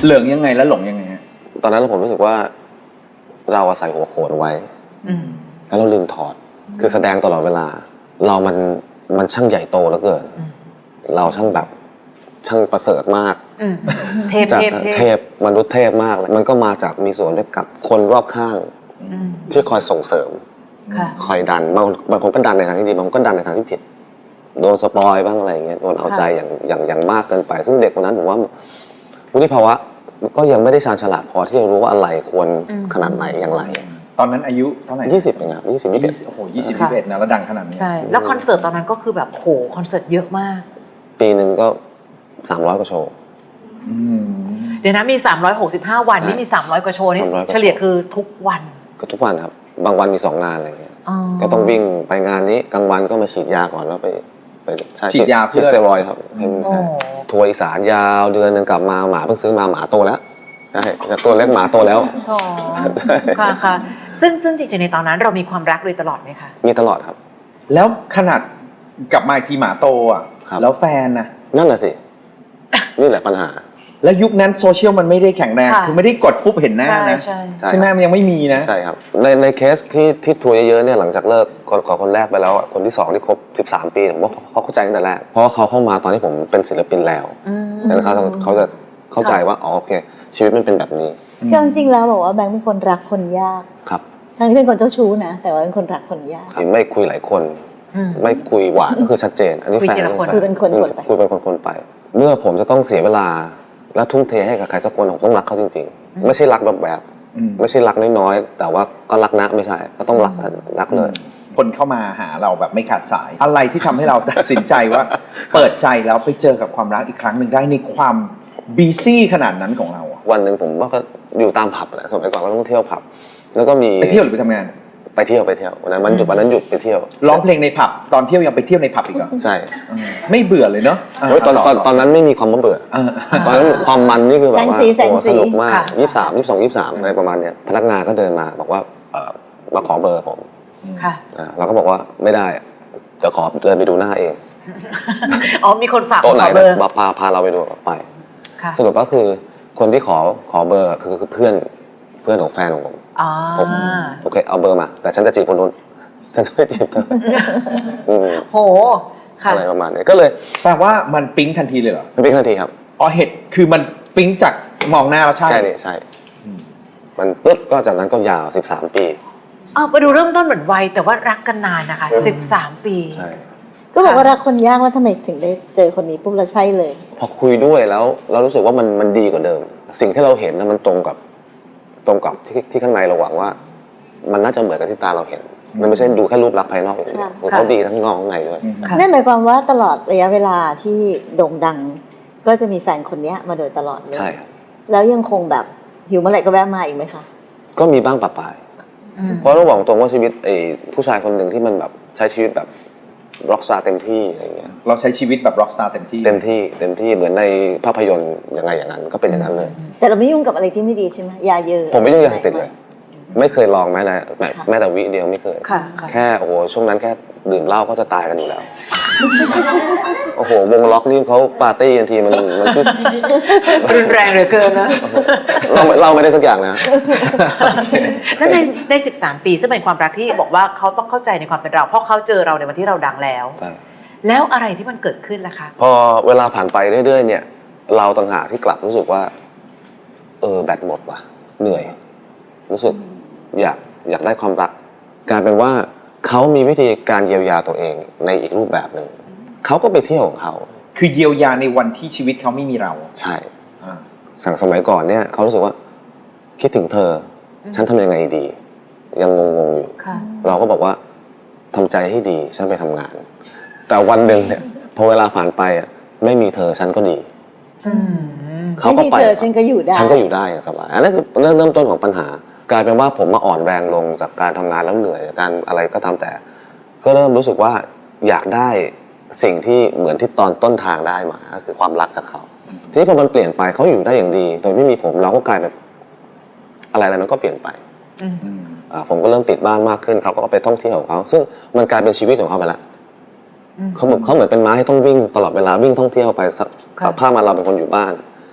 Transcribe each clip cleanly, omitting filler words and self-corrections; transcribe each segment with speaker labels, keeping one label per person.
Speaker 1: เหลืองยังไงแล้วหลงยังไงฮะ
Speaker 2: ตอนนั้นผมรู้สึกว่าเราใส่หัวโขนไว้แล้วเราลืมถอดคือแสดงตลอดเวลาเรามันช่างใหญ่โตเหลือเกินเราช่างแบบช่างประเสริฐมากเทพมนุษย์เทพมากมันก็มาจากมีส่วนด้วยกับคนรอบข้างที่คอยส่งเสริมคอยดันบางคนก็ดันในทางที่ดีบางคนก็ดันในทางที่ผิดโดนสปอยบ้างอะไรอย่างเงี้ยโดนเอาใจอย่างมากเกินไปซึ่งเด็กคนนั้นผมว่าวุฒิภาวะก็ยังไม่ได้ชาญฉลาดพอที่จะรู้ว่าอะไรควรขนาดไหนอย่างไร
Speaker 1: ตอนนั้นอายุเท่าไหร่
Speaker 2: 20เองครับ20
Speaker 1: โอ้โห20-21นะแล้วดังขนาดนี้
Speaker 3: ใช่แล้วคอนเสิร์ตตอนนั้นก็คือแบบโหคอนเสิร์ตเยอะมาก
Speaker 2: ปีหนึ่งก็300กว่าโชว์
Speaker 3: เดี๋ยวนะมี365วันนี่มี300กว่าโชว์นี่เฉลี่ยคือทุกวัน
Speaker 2: ก็ทุกวันครับบางวันมี2งานอะไรเงี้ยก็ต้องวิ่งไปงานนี้กลางวันก็มาฉีดยาก่อนแล้วไป
Speaker 1: ฉีดยาเพื่อ
Speaker 2: สเตียรอยด์ครับทัวร์อีสานยาวเดือนนึงกลับมาหมาเพิ่งซื้อมาหมาโตแล้วใช่จากตัวเล็กหมาโตแล้ว
Speaker 3: ค่ะค่ะซึ่งจริงๆในตอนนั้นเรามีความรักโดยตลอดไหมคะ
Speaker 2: มีตลอดครับ
Speaker 1: แล้วขนาดกลับมาอีกทีหมาโตอ่ะแล้วแฟนนะ
Speaker 2: นั่นแหละสินี่แหละปัญหา
Speaker 1: แล้วยุคนั้นโซเชียลมันไม่ได้แข็งแรงคือไม่ได้กดปุ๊บเห็นหน้านะใช่ไหมมันยังไม่มีนะ
Speaker 2: ใช่ครับในเคสที่ทัวร์เยอะๆเนี่ยหลังจากเลิกคนแรกไปแล้วคนที่2ที่ครบ13ปีผมว่าเขาเข้าใจตั้งแต่แรกเพราะเขาเข้ามาตอนที่ผมเป็นศิลปินแล้วแล้วเขาจะเข้าใจว่าอ๋อโอเคชีวิตมันเป็นแบบนี้
Speaker 4: ก็จริงๆแล้วบอกว่าแบงค์เป็นคนรักคนยาก
Speaker 2: ครับ
Speaker 4: ทั้งที่เป็นคนเจ้าชู้นะแต่ว่าเป็นคนรักคนยาก
Speaker 2: ไม่คุยหลายคนไม่คุยหวานก็คือชัดเจนอันนี้แฟน
Speaker 4: คุยเป็นคนไป
Speaker 2: คุยเป็นคนไปเมื่อผมจะต้องเสียเวลาและทุ่มเทให้กับใครสักคนผมต้องรักเขาจริงๆไม่ใช่รักแบบไม่ใช่รักน้อยๆแต่ว่าก็รักนะไม่ใช่ก็ต้องรักเลย
Speaker 1: คนเข้ามาหาเราแบบไม่ขาดสายอะไรที่ทำให้เราตัดสินใจว่าเปิดใจแล้วไปเจอกับความรักอีกครั้งหนึ่งได้ในความบีซี่ขนาดนั้นของเรา
Speaker 2: วันหนึ่งผมก็อยู่ตามผับแหละสมัยก่อนก็ต้องเที่ยวผับแล้วก็มี
Speaker 1: ไปเที่ยวหรือไปทำงาน
Speaker 2: ไปเที่ยววันนั้นหยุดไปเที่ยว
Speaker 1: ร้องเพลงในผับตอนเที่ยวยังไปเที่ยวในผับอีกเหรอ
Speaker 2: ใช่
Speaker 1: ไม่เบื่อเลยเนาะ
Speaker 2: ตอนนั้นไม่มีความเบื่อตอนนั้นความมันนี่คือแบบว่าสนุกมาก23อะไรประมาณเนี้ยพนักงานก็เดินมาบอกว่ามาขอเบอร์ผมเราก็บอกว่าไม่ได้เดี๋ยวขอเดินไปดูหน้าเอง
Speaker 3: อ๋อมีคนฝาก
Speaker 2: ขอเบอร์พาเราไปดูไปสรุปก็คือคนที่ขอเบอร์คือเพื่อนของแฟนของผมโอเคเอาเบอร์มาแต่ฉันจะจีบคนนู้นฉันจะไม่จีบเธอ
Speaker 3: โห
Speaker 2: อะไรประมาณนี้ก็เลย
Speaker 1: แปลว่ามันปิ๊งทันทีเลยเหรอ
Speaker 2: มันปิ๊งทันทีครับ
Speaker 1: อ๋อเหตุคือมันปิ๊งจากมองหน้าแล้วใช่
Speaker 2: ใช่มันปุ๊บก็จากนั้นก็ยาว13ปี
Speaker 3: ไปดูเริ่มต้นเหมือนวัยแต่ว่ารักกันนานนะคะ13ปี
Speaker 2: ใช่
Speaker 4: ก็บอกว่ารักคนยากว่าทำไมถึงได้เจอคนนี้ปุ๊บแล้วใช่เลย
Speaker 2: พอคุยด้วยแล้วเรารู้สึกว่ามันดีกว่าเดิมสิ่งที่เราเห็นมันตรงกับที่ข้างในเราหวังว่ามันน่าจะเหมือนกับที่ตาเราเห็นมันไม่ใช่ดูแค่รูปลักษณ์ภายนอกอย่างเดียวเขาดีทั้งนอกข้างในด้วย
Speaker 4: นั่นหมายความว่าตลอดระยะเวลาที่โด่งดังก็จะมีแฟนคนนี้มาโดยตลอดเลย
Speaker 2: ใช่
Speaker 4: แล้วยังคงแบบหิวเมื่อไหร่ก็แวะมาอีกไหมคะ
Speaker 2: ก็มีบ้างปะปายเพราะเราบอกตรงว่าชีวิตผู้ชายคนหนึ่งที่มันแบบใช้ชีวิตแบบร็อกสตาร์เต็มที่อะไรเงี้ย
Speaker 1: เราใช้ชีวิตแบบร็อกสตาร์เต็มที่
Speaker 2: เหมือนในภาพยนตร์ยังไงอย่างนั้นก็เป็นอย่างนั้นเลย
Speaker 4: แต่เราไม่ยุ่งกับอะไรที่ไม่ดีใช่ไหมยาเยอะ
Speaker 2: ผมไม่ยุ่งยาเสพติดเลยไม่เคยลองแม้แต่วิเดียวไม่เคยแค่โอ้โหช่วงนั้นแค่ดื่มเหล้าก็จะตายกันอยู่แล้วโอ้โหวงล็อกนี่เขาปาร์ตี้กันทีมันคือ
Speaker 3: รุนแรงเหลือเกินนะ
Speaker 2: เราไม่ได้สักอย่างนะ
Speaker 3: แล้วใน13ปีซึ่งเป็นความรักที่บอกว่าเขาต้องเข้าใจในความเป็นเราเพราะเขาเจอเราในวันที่เราดังแล้วแล้วอะไรที่มันเกิดขึ้นล่ะคะ
Speaker 2: พอเวลาผ่านไปเรื่อยๆเนี่ยเราต่างหากที่กลับรู้สึกว่าแบตหมดว่ะเหนื่อยรู้สึกอยากได้ความรักกลายเป็นว่าเขามีวิธีการเยียวยาตัวเองในอีกรูปแบบหนึ่งเขาก็ไปเที่ยวของเขา
Speaker 1: คือเยียวยาในวันที่ชีวิตเขาไม่มีเรา
Speaker 2: ใช่สั่งสมัยก่อนเนี่ยเขารู้สึกว่าคิดถึงเธอฉันทำยังไงดียังงงอยู่เราก็บอกว่าทำใจให้ดีฉันไปทำงานแต่วันหนึ่งเนี่ยพอเวลาผ่านไปไม่มีเธอฉันก็ดี
Speaker 4: เขาก็ไปฉันก็อยู่
Speaker 2: ได้อย่างสบายอันนั้นคือเริ่มต้นของปัญหากลายเป็นว่าผมมาอ่อนแรงลงจากการทำงานแล้วเหนื่อยจากการอะไรก็ตามแต่ก็เริ่มรู้สึกว่าอยากได้สิ่งที่เหมือนที่ตอนต้นทางได้มาก็คือความรักจากเขาทีนี้พอมันเปลี่ยนไปเขาอยู่ได้อย่างดีโดยไม่มีผมเราก็กลายเป็นอะไรมันก็เปลี่ยนไปผมก็เริ่มติดบ้านมากขึ้นเขาก็ไปท่องเที่ยวของเขาซึ่งมันกลายเป็นชีวิตของเขาไปละเขาเหมือนเป็นม้าที่ต้องวิ่งตลอดเวลาวิ่งท่องเที่ยวไปสักภาพมาเราเป็นคนอยู่บ้าน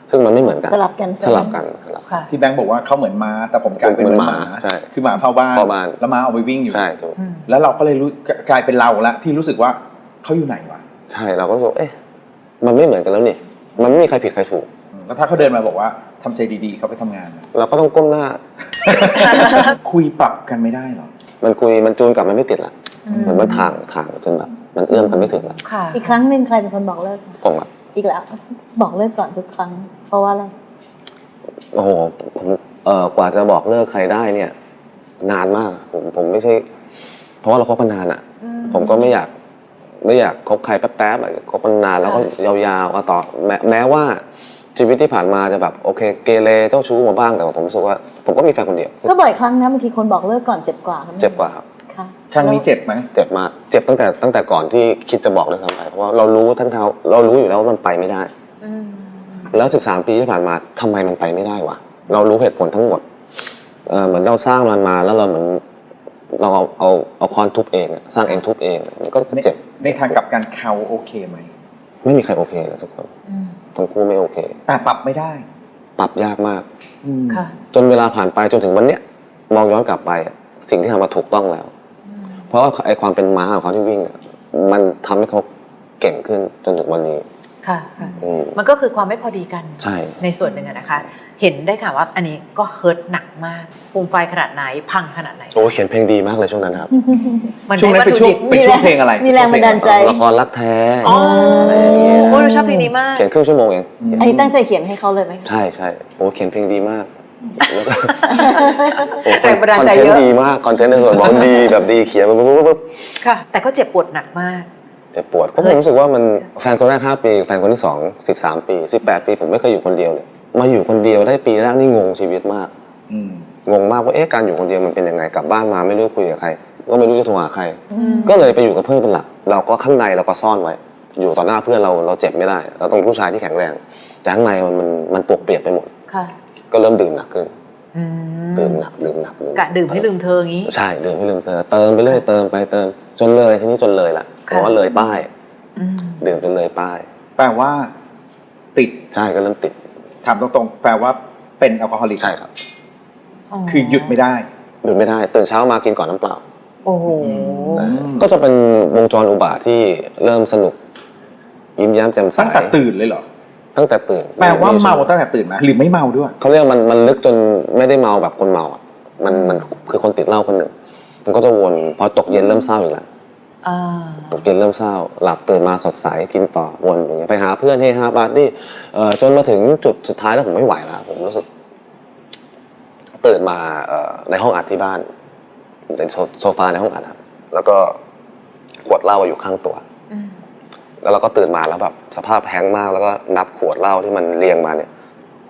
Speaker 2: ซึ่งมันไม่เหมือนกัน
Speaker 4: สลับกัน
Speaker 2: สลับกัน
Speaker 3: ค่ะ
Speaker 1: ที่แบงค์บอกว่าเขาเหมือนม้าแต่ผมกลายเป็น
Speaker 2: เหมือน
Speaker 1: ห
Speaker 2: ห
Speaker 1: มา
Speaker 2: มาใช่
Speaker 1: คือหมาเฝ้าบ้าน
Speaker 2: เฝ้าบ้าน
Speaker 1: แล้วม้าเอาไปวิ่งอยู่
Speaker 2: ใช่ถูก
Speaker 1: แล้วเราก็เลยรู้กลายเป็นเราละที่รู้สึกว่าเขาอยู่ไหนวะ
Speaker 2: ใช่เราก็รู้สึกเอ๊ะมันไม่เหมือนกันแล้วนี่มันไม่มีใครผิดใครถูก
Speaker 1: แล้วถ้าเขาเดินมาบอกว่าทำใจดีๆเขาไปทำงาน
Speaker 2: เราก็ต้องก้มหน้า
Speaker 1: คุยปรับกันไม่ได้หรอ
Speaker 2: มันคุยมันจูนกลับมันไม่ติดละเหมือนมันถ่างจนแบบมันเอื้อมกันไม่ถึงละ
Speaker 3: ค่ะ
Speaker 4: อีกครั้งหนึ่งใครเป็นคนบอกเลิกคะ
Speaker 2: ผมอะ
Speaker 4: อีกแล้วบอกเลิกก่อนทุกครั้ง เพราะว่าอะไร
Speaker 2: โอ้โหผมกว่าจะบอกเลิกใครได้เนี่ย นานมากผมไม่ใช่ เพราะว่าเราคบกันนานอะผมก็ไม่อยากคบใครแป๊บๆอะคบกันนานแล้วก็ยาวๆต่อแม้ว่าชีวิตที่ผ่านมาจะแบบโอเคเกเรเจ้าชู้มาบ้างแต่ว่าผมรู้สึกว่าผมก็มีแฟนคนเดียว
Speaker 4: ก็บ่อยครั้งนะบางทีคนบอกเลิกก่อนเจ็บกว่าครับ
Speaker 2: เจ็บกว่าครับ
Speaker 4: ค่ะ
Speaker 1: ครั้งนี้เจ็บไหม
Speaker 2: เจ็บมากเจ็บตั้งแต่ก่อนที่คิดจะบอกเลยซ้ำไปเพราะว่าเรารู้เรารู้อยู่แล้วว่ามันไปไม่ได้ แล้ว13 ปีที่ผ่านมาทำไมมันไปไม่ได้วะเรารู้เหตุผลทั้งหมดเหมือนเราสร้างมันมาแล้วเราเหมือนเราเอาค้อนทุบเองอะสร้างเองทุบเองมันก็เจ็บ
Speaker 1: ในทางกลับกันเขาโอเคไหม
Speaker 2: ไม่มีใครโอเคเลยสักคนทั้งคู่ไม่โอเค
Speaker 1: แต่ปรับไม่ได้
Speaker 2: ปรับยากมาก
Speaker 3: ค่ะ
Speaker 2: จนเวลาผ่านไปจนถึงวันเนี้ยมองย้อนกลับไปอะสิ่งที่ทำมาถูกต้องแล้ว เพราะว่าไอความเป็นม้าของเขาที่วิ่งอะมันทำให้เขาเก่งขึ้นจนถึงวันนี้
Speaker 3: ค่ะ มันก็คือความไม่พอดีกัน
Speaker 2: ใช่
Speaker 3: ในส่วนหนึ่งอะนะคะ เห็นได้ค่ะว่าอันนี้ก็เฮิร์ตหนักมาก ฟูมไฟขนาดไหน พังขนาดไหน
Speaker 2: โอ้เขียนเพลงดีมากเลยช่วงนั้นครับ
Speaker 3: มัน
Speaker 1: ช่วงนั้น
Speaker 3: ได้
Speaker 1: เป็นช่วง
Speaker 3: วัตถุดิบ
Speaker 1: เป็นช่วงเพลงอะไร
Speaker 4: มีแรงบันดาลใจ
Speaker 2: ละครรักแท้
Speaker 3: อ๋อโอ้ยเราชอบเพลงนี้มาก
Speaker 2: เขียนครึ่งชั่วโมงเอง
Speaker 4: อันนี้ตั้งใจเขียนให้เขาเลยไหมคะ
Speaker 2: ใช่โอ้เขียนเพลงดีมากแล้วก็โอ้
Speaker 3: แรงบันดาล
Speaker 2: คอน
Speaker 3: ใจ
Speaker 2: เทน
Speaker 3: เยอะ
Speaker 2: ต์ดีมากคอนเทนต์ในส่วนของดีแบบดีเขียนปุ๊บ
Speaker 3: ค่ะ แต่ก็เจ็บปวดหนักมาก
Speaker 2: เจ็บปวดเพราะผมรู้สึกว่ามันแฟนคนแรก5 ปีแฟนคนที่2 13 ปี 18 ปีผมไม่เคยอยู่คนเดียวเลยมาอยู่คนเดียวได้ปีแรกนี่งงชีวิตมาก งงมากว่าการอยู่คนเดียวมันเป็นยังไงกลับบ้านมาไม่รู้คุยกับใครก็ไม่รู้จะโทรหาใคร ก็เลยไปอยู่กับเพื่อนเป็นหลักเราก็ข้างในเราก็ซ่อนไว้ อยู่ต่อหน้าเพื่อนเราเจ็บไม่ได้เราต้องผู้ชายที่แข็งแรงแต่ข้างในมันปวกเปียกไปหมด
Speaker 3: ค่ะ
Speaker 2: ก็เริ่มดื่มหนักขึ้นดื่มหนัก
Speaker 3: กะดื่มให้ลืมเธออย่างนี้
Speaker 2: ใช่ดื่มให้ลืมเธอเติมไปเรื่อยเติมไปเติมจนเลยทีนี้จนเลยละเพราะว่าเลยป้ายดื่มจนเลยป้าย
Speaker 1: แปลว่า ติด
Speaker 2: ใช่ก็เริ่มติด
Speaker 1: ถามตรงๆแปลว่าเป็นแอลกอฮอลิก
Speaker 2: ใช่ครับ
Speaker 1: คือหยุดไม่ได้
Speaker 2: หยุดไม่ได้ตื่นเช้ามากินก่อนน้ำเปล่า
Speaker 3: โอ้โห
Speaker 2: ก็จะเป็นวงจรอุบาทที่เริ่มสนุกยิ้มแย้มแจ่มใส
Speaker 1: ตั้งแต่ตื่นเลยเหรอ
Speaker 2: ตั้งแต่ตื่น
Speaker 1: แปลว่าเมาตั้งแต่ตื่นไหมหรือไม่เมาด้วย
Speaker 2: เขาเรียกมันลึกจนไม่ได้เมาแบบคนเมาอ่ะมันคือคนติดเหล้าคนหนึ่งมันก็จะวนพอตกเย็นเริ่มเศร้าอีกแล้วตกเย็นเริ่มเศร้าหลับตื่นมาสดใสกินต่อวนอย่างเงี้ยไปหาเพื่อนเฮฮาปาร์ตี้จนมาถึงจุดสุดท้ายแล้วผมไม่ไหวแล้วผมรู้สึกตื่นมาในห้องอัดที่บ้านในโซฟาในห้องอัดครับแล้วก็ขวดเหล้าอยู่ข้างตัวแล้วเราก็ตื่นมาแล้วแบบสภาพแห้งก์มากแล้วก็นับขวดเหล้าที่มันเรียงมาเนี่ย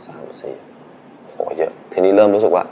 Speaker 2: 3 4โหเยอะทีนี้เริ่มรู้สึกว่า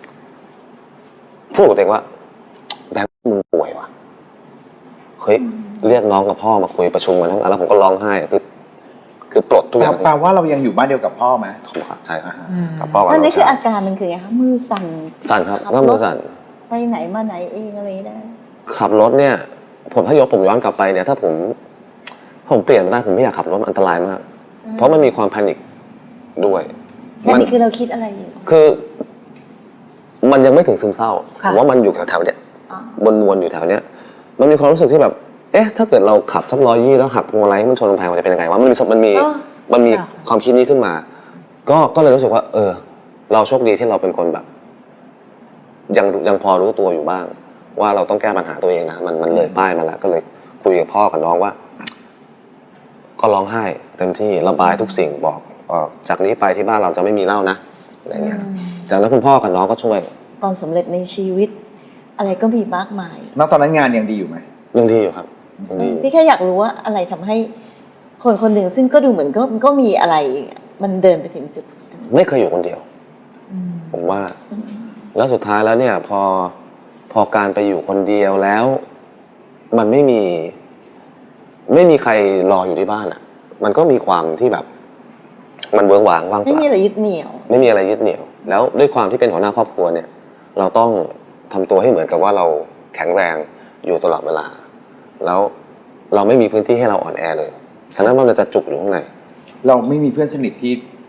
Speaker 2: พูดกับตัวเองว่าแบงค์มึงป่วยว่ะเฮ้ยเรียกน้องกับพ่อมาคุยประชุมกันทั้งนั้นแล้วผมก็ร้องไห้คือปลดทุกอย่าง
Speaker 1: แปลว่าเรายังอยู่บ้านเดียวกับพ่อไหม
Speaker 2: ใช่กับพ่อกับ
Speaker 4: อัน
Speaker 2: น้
Speaker 4: นี้
Speaker 2: อง
Speaker 4: คือ
Speaker 2: ชาย
Speaker 4: อาการมันคือไงคะมือสั่น
Speaker 2: สั่นครับ
Speaker 4: ขับ
Speaker 2: ก็
Speaker 4: ร
Speaker 2: มื
Speaker 4: ถ
Speaker 2: อสั่น
Speaker 4: ไปไหนมาไหนเองอะไรได้
Speaker 2: ขับรถเนี่ยถ้าผมย้อนกลับไปเนี่ยถ้าผมเปลี่ยนได้ผมไม่อยากขับรถมันอันตรายมากเพราะมันมีความแพนิคด้วย
Speaker 4: นั่นนี่คือเราคิดอะไรอยู่
Speaker 2: คือมันยังไม่ถึงซึมเศร้าผ
Speaker 3: ค่ะ
Speaker 2: มว่ามันอยู่แถวๆเนี้ย
Speaker 4: อ๋อ
Speaker 2: บนอยู่แถวเนี้ยมันมีความรู้สึกที่แบบถ้าเกิดเราขับสัก120แล้วหักพวงมาลัยให้มันชนกำแพงมันจะเป็นยังไงวะมันมีความคิดนี้ขึ้นมาก็เลยรู้สึกว่าเราโชคดีที่เราเป็นคนแบบยังพอรู้ตัวอยู่บ้างว่าเราต้องแก้ปัญหาตัวเองนะมันเลยป้ายมาแล้วก็เลยคุยกับพ่อกับน้องว่าก็ร้องไห้เต็มที่ระบายทุกสิ่งบอกจากนี้ไปที่บ้านเราจะไม่มีเหล้านะอะไรเงี้ยจากนั้นคุณพ่อกับน้องก็ช่วย
Speaker 4: ความสำเร็จในชีวิต อะไรก็มีมากมาย
Speaker 1: ณตอนนั้นงานยังดีอยู่ไหม
Speaker 2: ยังดีอยู่ครับยังดีอยู่
Speaker 4: พี่แค่อยากรู้ว่าอะไรทำให้คนคนหนึ่งซึ่งก็ดูเหมือนก็มีอะไร มันเดินไปถึงจุดนั้น
Speaker 2: ไม่เคยอยู่คนเดียวผมว่า แล้วสุดท้ายแล้วเนี่ยพอการไปอยู่คนเดียวแล้ว มันไม่มีใครรออยู่ที่บ้านอ่ะ มันก็มีความที่แบบ มันเวิ้งว้างว่างเป
Speaker 4: ไม่
Speaker 2: ล่า
Speaker 4: มีอะไรยึดเหนี่ยว
Speaker 2: ไม่มีอะไรยึดเหนี่ยว แล้วด้วยความที่เป็นหัวหน้าครอบครัวเนี่ย เราต้องทำตัวให้เหมือนกับว่าเราแข็งแรงอยู่ตลอดเวลา แล้วเราไม่มีพื้นที่ให้เราอ่อนแอเลยฉะนั้นมันจะจุกอยู่ข้างใน
Speaker 1: เราไม่มีเพื่อนสนิทที่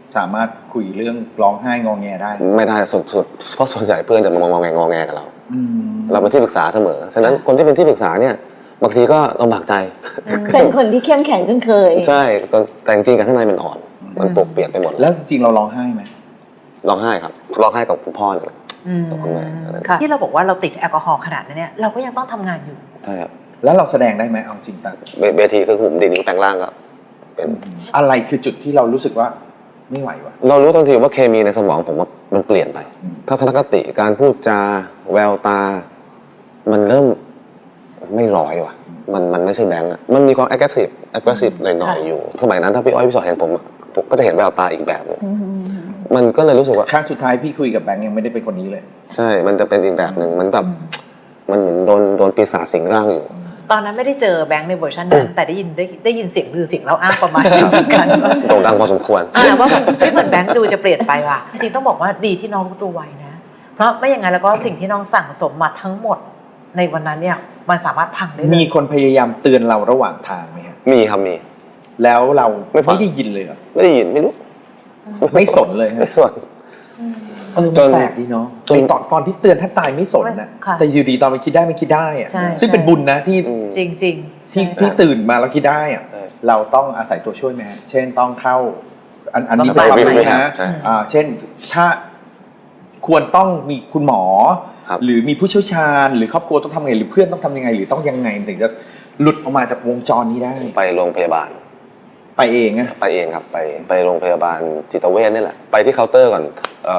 Speaker 1: สามารถคุยเรื่องร้องไห้งอแงได้
Speaker 2: ไม่ได้สุดๆเพราะส่วนใหญ่เพื่อนจะมางอแงกับเรา
Speaker 1: อืม
Speaker 2: เราเป็นที่ปรึกษาเสมอฉะนั้นคนที่เป็นที่ปรึกษาเนี่ยบางทีก็ลำบากใจ
Speaker 4: เป็นคนที่เข้มแข็งจนเคย
Speaker 2: ใช่แต่จริงๆกับข้างในมันอ่อนมันปวกเปียกไปหมด
Speaker 1: แล้วจริงๆเราร้องไห้ไหม
Speaker 2: ร้องไห้ครับร้องไห้กับคุณพ่อเนี่ย กับคุณแม่
Speaker 3: ค่ะที่เราบอกว่าเราติดแอลกอฮอล์ขนาดนั้นเนี่ยเราก็ยังต้องทำงานอยู่
Speaker 2: ใช่ครับ
Speaker 1: แล้วเราแสดงได้ไหมเอาจริงตัง
Speaker 2: เวทีคือผมดีนิ้วแปลงร่างก็เป็น
Speaker 1: อะไรคือจุดที่เรารู้สึกว่าไม่ไหววะ
Speaker 2: เรารู้ทันทีว่าเคมีในสมองผมว่ามันเปลี่ยนไป
Speaker 1: อืม
Speaker 2: ทัศนคติการพูดจาแววตา มันเริ่มไม่ร้อยว่ะมันไม่ใช่แบงค์อะมันมีความ aggressive หน่อยๆอยู่ สมัยนั้นถ้าพี่อ้อยพี่ชอตเห็นผมก็จะเห็นแววตาอีกแบบหนึงมันก็เลยรู้สึกว่า
Speaker 1: ครั้งสุดท้ายพี่คุยกับแบงค์ยังไม่ได้เป็นคนนี้เลย
Speaker 2: ใช่มันจะเป็นอีกแบบหนึ่งมันแบบมันเหมือนโดนปีศาจสิงร่างอยู่
Speaker 3: ตอนนั้นไม่ได้เจอแบงค์ในเวอร์ชันนั้นแต่ได้ยินเสียงลือเสียงเล่าอ้างประมาณนี้เหมือนกัน
Speaker 2: โด่งดังพอสมควร
Speaker 3: ว่ามันไม่เหมือนแบงค์ดูจะเปลี่ยนไปว่ะจริงต้องบอกว่าดีที่น้องรู้ตัวไวนะเพราะไม่อย่างนั้นแล้วก็สิ่งที่น้องสั่งสมมาทั้งหมดในวันนั้นเนี่ยมันสามารถพังได้เลย
Speaker 1: มีคนพยายามเตือนเราระหว่างทางไหมครับ
Speaker 2: มีครับมี
Speaker 1: แล้วเรา
Speaker 2: ไม่ฟัง
Speaker 1: ไม่ได้ยินเลยเหรอ
Speaker 2: ไม่ได้ยินไม่รู้
Speaker 1: ไม่สนเลยฮะ
Speaker 2: ส่วน จน
Speaker 1: แปลกดีเนาะ
Speaker 2: จน
Speaker 1: ไอ้ตอนที่เตือนแทบตายไม่สนนะ
Speaker 3: ค่ะ
Speaker 1: แต่อยู่ดีตอนมันคิดได้มันคิดได้อะ
Speaker 3: ใช่
Speaker 1: ซึ่งเป็นบุญนะที่
Speaker 3: จริง
Speaker 1: ที่ตื่นมาแล้วคิดได้อะ
Speaker 2: ใช่
Speaker 1: เราต้องอาศัยตัวช่วยไหมฮะเช่นต้องเข้าอันนี้
Speaker 3: ต้
Speaker 1: เป็
Speaker 3: อน ง
Speaker 1: ความ
Speaker 3: ไป
Speaker 1: รู้
Speaker 3: ไหม
Speaker 1: นะ
Speaker 2: ใช่
Speaker 1: เช่นถ้าควรต้องมีคุณหมอ
Speaker 2: ครับ
Speaker 1: หรือมีผู้เชี่ยวชาญ หรือครอบครัวต้องทำไงหรือเพื่อนต้องทำยังไง หรือต้องยังไงถึงจะหลุดออกมาจากวงจรนี้ได้
Speaker 2: ไปโรงพยาบาล
Speaker 1: ไปเองอะ
Speaker 2: ไปเองครับไปโรงพยาบาลจิตเวชนี่แหละไปที่เคาน์เตอร์ก่อน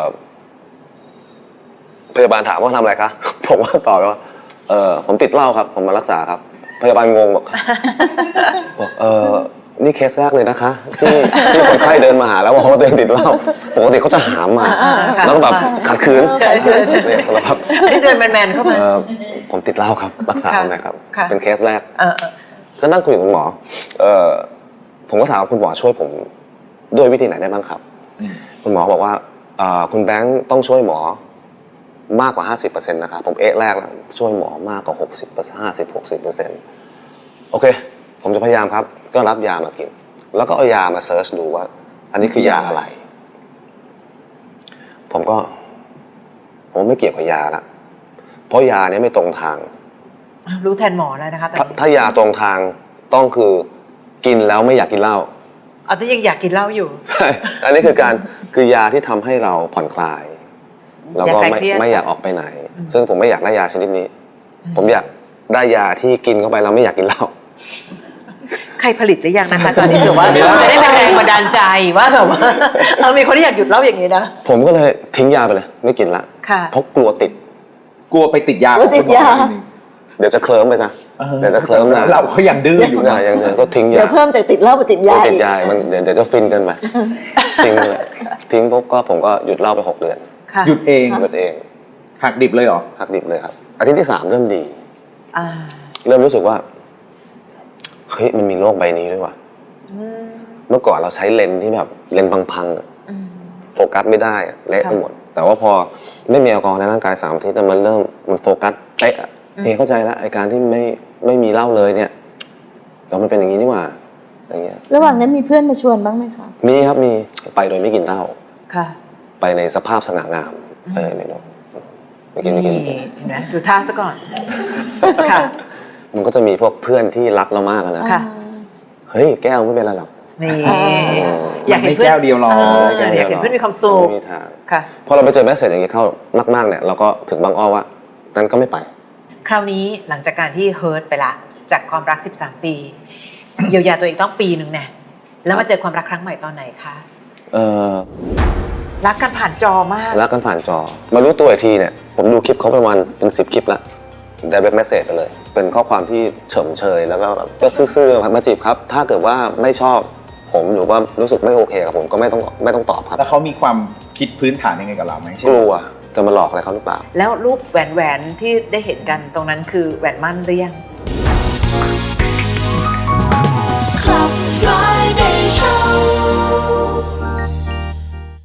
Speaker 2: พยาบาลถามว่าทำอะไรคะ ผมว่าตอบไปว่าผมติดเหล้าครับ ผมมารักษาครับ พยาบาลงงบอก บอกนี่เคสแรกเลยนะคะ ที่คนไข้เดินมาหาแล้วบอกว่าตัวเองติดเหล้าปกติเขาจะหามมา
Speaker 3: ค่ะ
Speaker 2: แล้วก็แบบขัดขืน
Speaker 3: ใช่
Speaker 2: เนี่ยแล้วแบบ
Speaker 3: อันนี้เดินแมนๆเข้ามา
Speaker 2: ผมติดเหล้าครับรักษา
Speaker 3: ค่ะ
Speaker 2: หนะครับ
Speaker 3: ค่ะ
Speaker 2: เป็นเคสแรก
Speaker 3: เออ
Speaker 2: ก็นั่งคุยกับคุณหมอผมก็ถามว่าคุณหมอช่วยผมด้วยวิธีไหนได้บ้างครับ คุณหมอบอกว่าคุณแบงค์ต้องช่วยหมอมากกว่า 50% นะครับผมแรกแล้วช่วยหมอมากกว่า 60% โอเค ผมจะพยายามครับ ก็รับยามากิน แล้วก็เอายามาเซิร์ชดูว่า อันนี้คือยาอะไร ผมไม่เกี่ยวกับยาละเพราะยาเนี้ยไม่ตรงทาง
Speaker 3: รู้แทนหมอแล้วนะคะแต่
Speaker 2: ถ้ายาตรงทางต้องคือกินแล้วไม่อยากกินเหล้า
Speaker 3: เอาที่ยังอยากกินเหล้าอยู่
Speaker 2: ใช่ อันนี้คือยาที่ทำให้เราผ่อนคลาย แล้วก็
Speaker 3: อยากคลายเครียด
Speaker 2: ไม่อยากออกไปไหน ซึ่งผมไม่อยากได้ยาชนิดนี้ ผมอยากได้ยาที่กินเข้าไปแล้วไม่อยากกินเหล้า
Speaker 3: ใครผลิตหรือยังนะคะตอนนี้ถือว่าจะได้เป็นแรงบันดาลใจว่าแบบว่ามีคนที่อยากหยุดเหล้าอย่างนี้นะ
Speaker 2: ผมก็เลยทิ้งยาไปเลย ไม่กินละ
Speaker 3: ค่ะ
Speaker 2: เพราะกลัวติด
Speaker 1: กลัวไปติดยา
Speaker 4: กลัวติดยา
Speaker 1: ของคุณหมออีกทีหนึ่ง
Speaker 2: เดี๋ยวจะเคลิ้มไปซะ เดี๋ยวจะเคลิ้มนะ
Speaker 1: เราเขายังดื้ออยู่
Speaker 2: อย่า
Speaker 1: นะ
Speaker 2: อย่างเดียวก็ทิ้ง
Speaker 4: เดี๋
Speaker 2: ยา
Speaker 4: ยวเพิ่มจากติดเหล้าไปติด
Speaker 2: กลั
Speaker 4: ยาว
Speaker 2: ติด
Speaker 4: อีก
Speaker 2: ยามันเดี๋ยวจะฟินเกินไปทิ้งไปเลยทิ้งปุ๊บก็ผมก็หยุดเหล้าไป6 เดือน
Speaker 3: ค่ะ
Speaker 1: หยุดเอง
Speaker 2: หยุดเอง
Speaker 1: หักดิบเลยเหรอ
Speaker 2: หักดิบเลยครับอาทิตย์ที่ 3เริ่มดี
Speaker 3: อ่า
Speaker 2: เริ่มรู้สึกว่าเฮ้ยมันมีโลกใบนี้ด้วยว่ะ
Speaker 3: อืม
Speaker 2: เมื่อก่อนเราใช้เลนส์ที่แบบเลนส์พังๆอะ
Speaker 3: อืม
Speaker 2: โฟกัสไม่ได้อะเละไปหมด แต่ว่าพอไม่มีแอลกอฮอล์ในร่างกาย3 อาทิตย์อะมันโฟกัสเป๊ะอะพี่เข้าใจแล้วไอ้การที่ไม่มีเหล้าเลยเนี่ยก็มันเป็นอย่างนี้นี่หว่าอย่างเงี้ย
Speaker 4: ระหว่างนั้นมีเพื่อนมาชวนบ้างไหมคะ
Speaker 2: มีครับมีไปโดยไม่กินเหล้า
Speaker 3: ค่ะ
Speaker 2: ไปในสภาพสง่างามไม่รู้ไม่กิน
Speaker 3: เห็นไหมดูท่าซะก่อนค่ะ
Speaker 2: มันก็จะมีพวกเพื่อนที่รักเรามากอะนะ
Speaker 3: ค่ะ
Speaker 2: เฮ้ยแก้วไม่เป็นไรหรอก
Speaker 3: นี่
Speaker 4: อ่า
Speaker 3: อยากเห็นเพื่อน
Speaker 1: ไม่แก้วเดียวหรอก
Speaker 3: อยากเห็นเพื่อนมีความสุข
Speaker 2: ไม่มีทาง
Speaker 3: ค่ะ
Speaker 2: พอเราไปเจอแมสเสจอย่างนี้เข้ามากๆเนี่ยเราก็ถึงบางอ้อว่านั้นก็ไม่ไป
Speaker 3: คราวนี้หลังจากการที่เฮิร์ตไปละจากความรัก13 ปีเยียวยาตัวเองต้องปีนึงเนี่ยแล้วมาเจอความรักครั้งใหม่ตอนไหนคะ รักกันผ่านจอมาก
Speaker 2: รักกันผ่านจอ มารู้ตัวอีกทีเนี่ยผมดูคลิปเขาประมาณเป็น10 คลิปละdirect message ไปเลย เป็นข้อความที่เฉมเชยแล้วก็แบบก็ซื่อๆมาจีบครับ ถ้าเกิดว่าไม่ชอบผมหรือว่ารู้สึกไม่โอเคกับผมก็ไม่ต้องตอบครับ
Speaker 1: แล้วเขามีความคิดพื้นฐานยังไงกับเราไหมเช่น
Speaker 2: กลัวจะมาหลอกอะไรเขาหรือเปล่า
Speaker 3: แล้วรูปแหวนที่ได้เห็นกันตรงนั้นคือแหวนมั่นหรือยัง
Speaker 5: Club Friday Show